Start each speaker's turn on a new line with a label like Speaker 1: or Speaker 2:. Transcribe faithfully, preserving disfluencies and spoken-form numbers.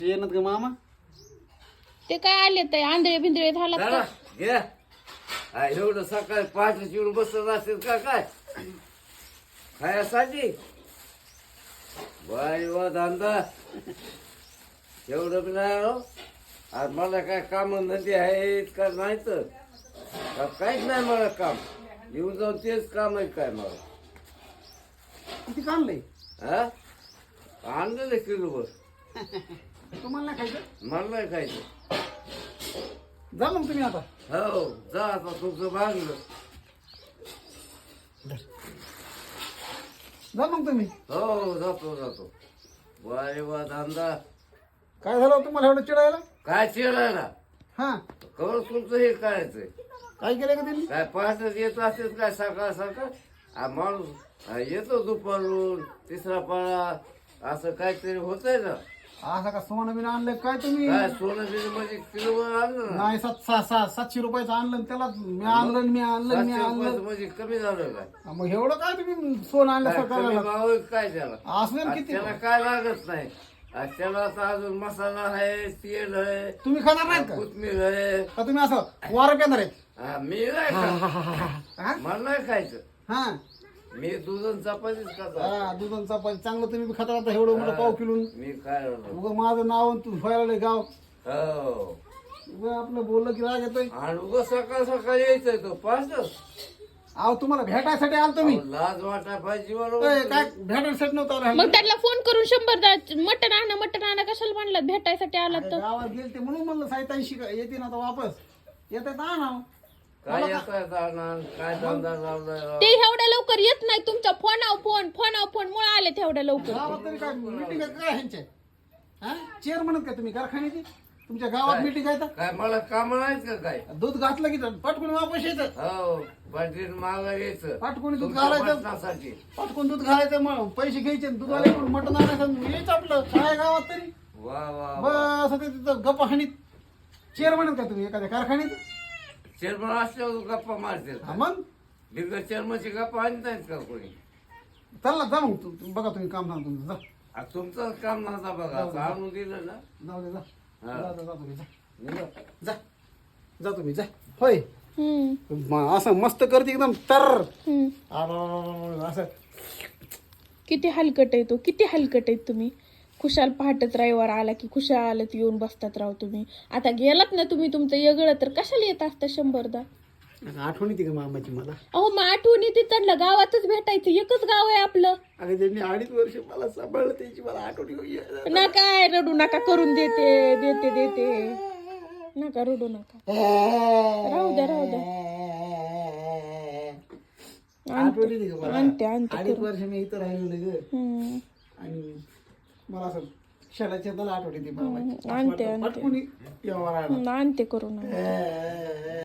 Speaker 1: येणार का मामा?
Speaker 2: ते काय आले ते आंधळे बिंदळे झाला
Speaker 3: चला घ्या. हा, एवढं सकाळी पहाटे चिडून बसत असेल का काय खायासाठी? बाई वा धंदा एवढं बी नाही हो. आज मला काय काम नदी आहेत का नाही तर का काहीच नाही मला काम. येऊन जाऊन तेच काम आहे काय मला.
Speaker 1: किती काढलंय?
Speaker 3: हा आणलं किलोभर.
Speaker 1: तुम्हाला नाही खायचं?
Speaker 3: मला नाही खायचं.
Speaker 1: जा मग तुम्ही आता.
Speaker 3: हो जा आता तुमचं भागलं.
Speaker 1: जा मग तुम्ही.
Speaker 3: हो जातो जातो. वारे वा धंदा.
Speaker 1: काय झालं तुम्हाला एवढं चिडायला?
Speaker 3: काय चिरायला
Speaker 1: हा
Speaker 3: कवर तुमचं हे करायचंय.
Speaker 1: काय केलं का त्यांनी?
Speaker 3: काय पहाटेच येत असेल काय सकाळ सकाळ. हा माणूस हा, येतो दुपारून तिसरा पाळा असं काहीतरी होतंय ना.
Speaker 1: असं का सोनं बिन आणलं काय तुम्ही?
Speaker 3: काय सोनं बिन म्हणजे किलोवर आणलं ना.
Speaker 1: नाही सात सहा सहा सातशे रुपयाचं आणलं आणि त्याला मी आणलं आणि मी आणलं आणि मी
Speaker 3: सातशे
Speaker 1: आणलं.
Speaker 3: रुपयाचं म्हणजे कमी झालं काय.
Speaker 1: हा, मग एवढं काय तुम्ही सोनं आणलं
Speaker 3: काय कमी
Speaker 1: सकाळला?
Speaker 3: भाव आहे काय त्याला.
Speaker 1: असं
Speaker 3: आज
Speaker 1: किती?
Speaker 3: त्याला काय लागत नाही. आज त्याला आता अजून मसाला आहे तेल आहे
Speaker 1: तुम्ही खाणार नाहीत का?
Speaker 3: कोथमीर आहे.
Speaker 1: का तुम्ही असं वारं पेणार आहेत?
Speaker 3: हा, मी नाही खात.
Speaker 1: हा?
Speaker 3: मला नाही खायचं.
Speaker 1: हा
Speaker 3: मी दूध आणि चपातीच खातो.
Speaker 1: हा, दूध आणि चपाती चांगलं तुम्ही बी खाता आता एवढं मोठं पाव किलो.
Speaker 3: मी काय राहिलो.
Speaker 1: उगा माझं नाव आणि तू व्हायला गाव.
Speaker 3: हो
Speaker 1: उगा आपलं बोललं की राग येतोय.
Speaker 3: आणि उगा सकाळ सकाळ यायचंय तो पाच.
Speaker 1: अहो तुम्हाला भेटायसाठी आलतो मी.
Speaker 3: लाज वाटा पाहिजे
Speaker 1: ए,
Speaker 3: बरोबर.
Speaker 1: काय भेटायसाठी नव्हतं आलो.
Speaker 2: मग त्यांना फोन करून शंभर दा- मटण आणा मटण आणा कशाला म्हणलं भेटायसाठी आला
Speaker 1: अरे,
Speaker 2: तर.
Speaker 1: गावात गेलते म्हणून म्हणलं साहित्यांशी येते ना आता वापस येते तर आणा.
Speaker 3: काय येताय जाणार काय धंदा लावलाय राव.
Speaker 2: ते एवढ्या लवकर येत नाही तुमच्या फोनाव फोन फोनाव फोन मुळे आले तेवढ्या लवकर.
Speaker 1: गावात तरी काय मिटिंग आहे काय ह्यांच्या? हा चेअर म्हणत का तुम्ही कारखान्याची? तुमच्या गावात मिटिंग आहे तर
Speaker 3: काय मला काम नाहीत का काय.
Speaker 1: दूध घातलं की पटकून वापस येतं.
Speaker 3: हो पाटील मागा यायचं
Speaker 1: पाटकुनी दूध
Speaker 3: तुमच्या
Speaker 1: घालायचं.
Speaker 3: मटणासाठी.
Speaker 1: पटकून दूध घालायचं मग पैसे घ्यायचे दूधवाले मटण आणायचं यायचं आपलं काय गावात तरी.
Speaker 3: वा वा वा.
Speaker 1: बस आता तिथं गप्पा हाणीत. चेअर म्हणत का तुम्ही एखाद्या कारखान्यात?
Speaker 3: चेअरमन असल्यावर गप्पा मारतील.
Speaker 1: हा मग
Speaker 3: बिगर चेअरमनची गप्पा आणत नाहीत का कोणी.
Speaker 1: चला जा मग तू- तू- बघा तुम्ही काम सांग तुमचं जा.
Speaker 3: आ, तुमचं काम नव्हता बघा आता आणून दिलं ना.
Speaker 1: जाऊ दे जा.
Speaker 3: हा.
Speaker 1: जा जा, जा तुम्ही जा.
Speaker 3: निघा.
Speaker 1: जा जा तुम्ही जा. होय
Speaker 2: हम्म
Speaker 1: म- असं मस्त करते एकदम तर
Speaker 2: हम्म.
Speaker 1: आ- असं
Speaker 2: किती हलकट आहे तो किती हलकट आहेत तुम्ही. खुशाल पहाटच रविवार आला की खुशालच येऊन बसतात राव तुम्ही. आता गेलात ना तुम्ही तुमचं येगळं तर कशाला येत असतं शंभरदा.
Speaker 1: आठवण येते का मामाची मला?
Speaker 2: अहो मग आठवणी तिथलं गावातच भेटायचं एकच गाव आहे आपलं.
Speaker 1: अरे त्यांनी अडीच वर्ष मला सांभाळलं त्याची मला आठवण येऊ-
Speaker 2: ना काय रडू नका करून देते देते देते नका रडू नका. राहू द्या राहू द्या.
Speaker 1: आठवण येते का मला?
Speaker 2: आणते आणते
Speaker 1: अडीच वर्ष मी इथं राहिलो नाही ग.
Speaker 2: हम्म.
Speaker 1: आणि मला असं क्षणाच्या त्याला आठवण येते मामाची.
Speaker 2: आणते, आणते.
Speaker 1: पटकून यावं लागलं.
Speaker 2: आणते करून आणते.